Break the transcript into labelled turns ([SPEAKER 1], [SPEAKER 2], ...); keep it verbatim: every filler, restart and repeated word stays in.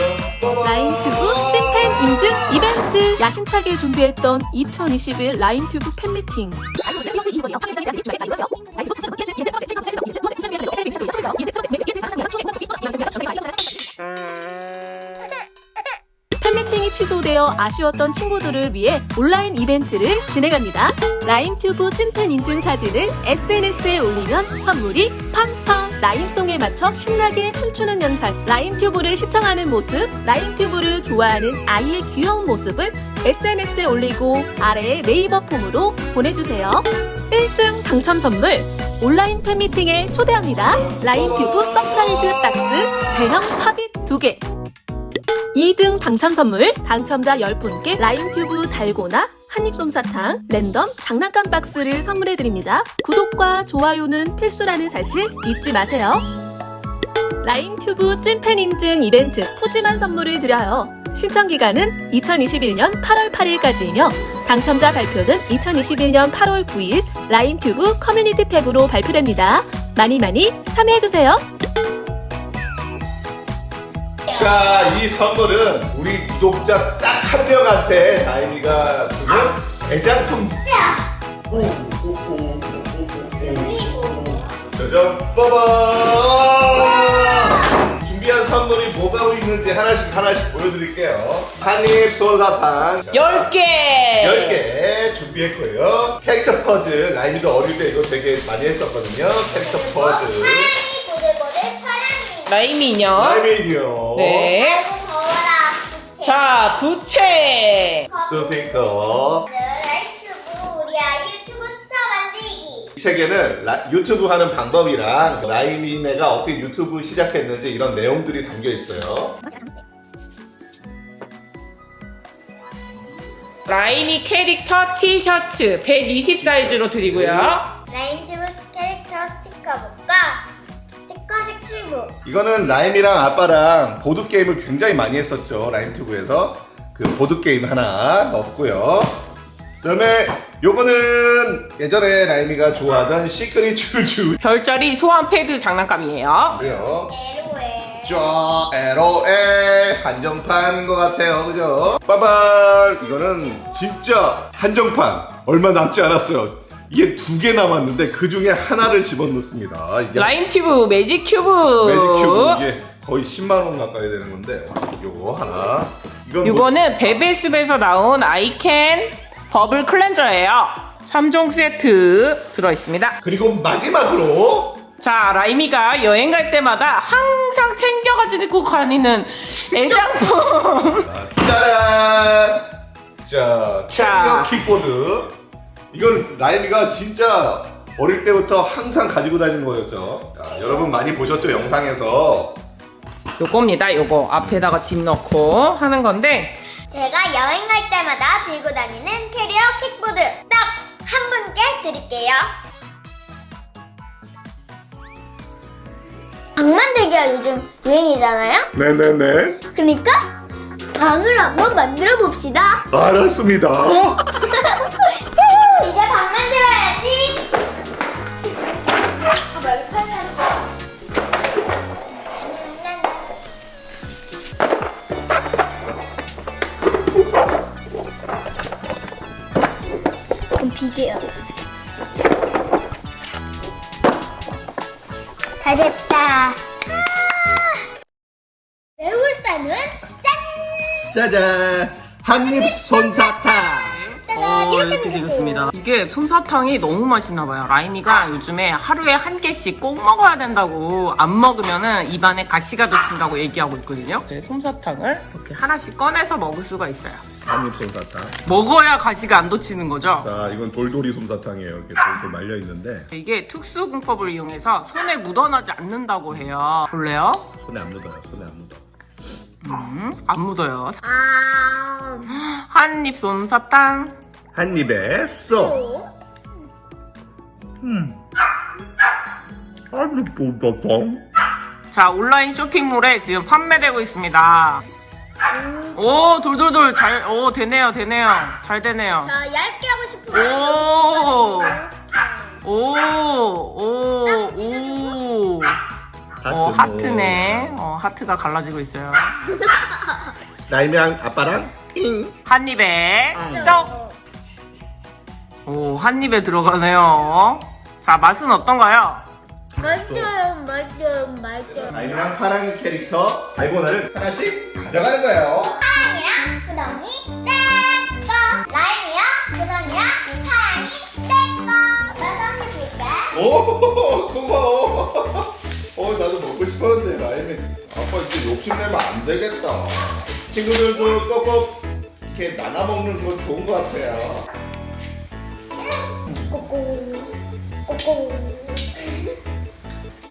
[SPEAKER 1] 라인튜브 찐팬 인증 이벤트! 야심차게 준비했던 이천이십일 라인튜브 팬미팅. 팬미팅이 취소되어 아쉬웠던 친구들을 위해 온라인 이벤트를 진행합니다. 라인튜브 찐팬 인증 사진을 에스엔에스에 올리면 선물이 팡팡! 라임송에 맞춰 신나게 춤추는 영상, 라임튜브를 시청하는 모습, 라임튜브를 좋아하는 아이의 귀여운 모습을 에스엔에스에 올리고 아래에 네이버 폼으로 보내주세요. 일 등 당첨 선물! 온라인 팬미팅에 초대합니다. 라임튜브 서프라이즈 박스 대형 팝잇 두 개. 이 등 당첨 선물! 당첨자 열 분께 라임튜브 달고나 한입솜사탕, 랜덤 장난감 박스를 선물해드립니다. 구독과 좋아요는 필수라는 사실 잊지 마세요. 라인튜브 찐팬 인증 이벤트 푸짐한 선물을 드려요. 신청기간은 이천이십일 년 팔월 팔일까지이며 당첨자 발표는 이천이십일 년 팔월 구일 라인튜브 커뮤니티 탭으로 발표됩니다. 많이 많이 참여해주세요.
[SPEAKER 2] 자, 이 선물은 우리 구독자 딱 한 명한테 다임이가 주는 애장품. 오, 오, 오, 오, 오, 오, 오. 짜잔, 빠밤! 준비한 선물이 뭐가 있는지 하나씩 하나씩 보여드릴게요. 한입 솜사탕
[SPEAKER 3] 열 개!
[SPEAKER 2] 열 개 준비했고요. 캐릭터 퍼즐, 라임이도 어릴 때 이거 되게 많이 했었거든요. 캐릭터 퍼즐.
[SPEAKER 3] 라임이 인형.
[SPEAKER 2] 라임이 인형.
[SPEAKER 3] 네. 자, 부채.
[SPEAKER 2] 스티커.
[SPEAKER 4] 우리 아이 유튜브 스타 만들기.
[SPEAKER 2] 이 책에는 라, 유튜브 하는 방법이랑 라임이네가 어떻게 유튜브 시작했는지 이런 내용들이 담겨 있어요.
[SPEAKER 3] 라임이 캐릭터 티셔츠 백이십 사이즈로 드리고요.
[SPEAKER 4] 라인튜브 캐릭터 스티커북과 스티커 색칠북.
[SPEAKER 2] 이거는 라임이랑 아빠랑 보드게임을 굉장히 많이 했었죠. 라임튜브에서 그 보드게임 하나 넣었고요. 그 다음에 요거는 예전에 라임이가 좋아하던 시크릿 줄줄
[SPEAKER 3] 별자리 소환 패드 장난감이에요.
[SPEAKER 2] 그래요.
[SPEAKER 4] 에로에.
[SPEAKER 2] 쫙 에로에 한정판인 것 같아요. 그죠? 빠발! 이거는 진짜 한정판 얼마 남지 않았어요. 이게 두 개 남았는데 그 중에 하나를 집어넣습니다. 이게
[SPEAKER 3] 라임튜브 매직 큐브.
[SPEAKER 2] 매직 큐브 이게 거의 십만 원 가까이 되는 건데 요거 하나. 이건
[SPEAKER 3] 이거는
[SPEAKER 2] 뭐,
[SPEAKER 3] 베베숲에서 나온 아이캔 버블 클렌저예요. 삼 종 세트 들어있습니다.
[SPEAKER 2] 그리고 마지막으로
[SPEAKER 3] 자, 라임이가 여행 갈 때마다 항상 챙겨가지고 다니는 애장품.
[SPEAKER 2] 짜란! 자,
[SPEAKER 3] 자.
[SPEAKER 2] 챔피언 킥보드. 이건 라임이가 진짜 어릴 때부터 항상 가지고 다니는 거였죠. 자, 여러분 많이 보셨죠? 영상에서.
[SPEAKER 3] 요겁니다. 요거 앞에다가 짐 넣고 하는 건데
[SPEAKER 4] 제가 여행 갈 때마다 들고 다니는 캐리어 킥보드 딱 한 분께 드릴게요. 방 만들기가 요즘 유행이잖아요.
[SPEAKER 2] 네네네.
[SPEAKER 4] 그러니까 방을 한번 만들어 봅시다.
[SPEAKER 2] 알았습니다.
[SPEAKER 4] 이제 방 만들어야지. 아, 여기 팔려있어. 그럼 비계요. 다 됐다. 아, 매울 때는 짠!
[SPEAKER 2] 짜잔! 한입 솜사탕!
[SPEAKER 4] 짜잔! 이렇게 생겼어요.
[SPEAKER 3] 이게 솜사탕이 너무 맛있나봐요. 라임이가 요즘에 하루에 한 개씩 꼭 먹어야 된다고 안 먹으면은 입안에 가시가 돋친다고 얘기하고 있거든요. 네, 솜사탕을 이렇게 하나씩 꺼내서 먹을 수가 있어요.
[SPEAKER 2] 한입 솜사탕.
[SPEAKER 3] 먹어야 가시가 안 돋치는 거죠.
[SPEAKER 2] 자, 이건 돌돌이 솜사탕이에요. 이렇게 돌돌 말려 있는데
[SPEAKER 3] 이게 특수 공법을 이용해서 손에 묻어나지 않는다고 해요. 볼래요?
[SPEAKER 2] 손에 안 묻어요. 손에 안 묻어.
[SPEAKER 3] 음, 안 묻어요.
[SPEAKER 4] 아,
[SPEAKER 3] 한입 솜사탕.
[SPEAKER 2] 한 입에 쏙.
[SPEAKER 4] 또.
[SPEAKER 2] 음. 한입 솜사탕.
[SPEAKER 3] 자, 온라인 쇼핑몰에 지금 판매되고 있습니다. 오, 돌돌돌 잘, 오, 되네요, 되네요. 잘 되네요.
[SPEAKER 4] 자, 얇게 하고 싶으면
[SPEAKER 3] 오.
[SPEAKER 4] 여기 집어넣고
[SPEAKER 3] 오, 오, 오.
[SPEAKER 2] 하트.
[SPEAKER 3] 어, 하트네. 어, 하트가 갈라지고 있어요.
[SPEAKER 2] 라임이랑 아빠랑 잉.
[SPEAKER 3] 한 입에 떡. 오, 한 입에 들어가네요. 자, 맛은 어떤가요?
[SPEAKER 4] 맛있어요, 맛있어요, 맛있어요.
[SPEAKER 2] 라임이랑 파랑이 캐릭터 달고나를 하나씩 가져가는 거예요.
[SPEAKER 4] 파랑이랑 구덩이 떼꺼. 라임이랑 구덩이랑 파랑이 떼꺼. 나도 한개 줄게.
[SPEAKER 2] 오, 고마워. 어, 나도 먹고 싶었는데 라임이 아빠 이제 욕심내면 안 되겠다. 친구들도 꼭꼭 이렇게 나눠 먹는 거 좋은 것 같아요.
[SPEAKER 4] 꼬꼬, 꼬꼬.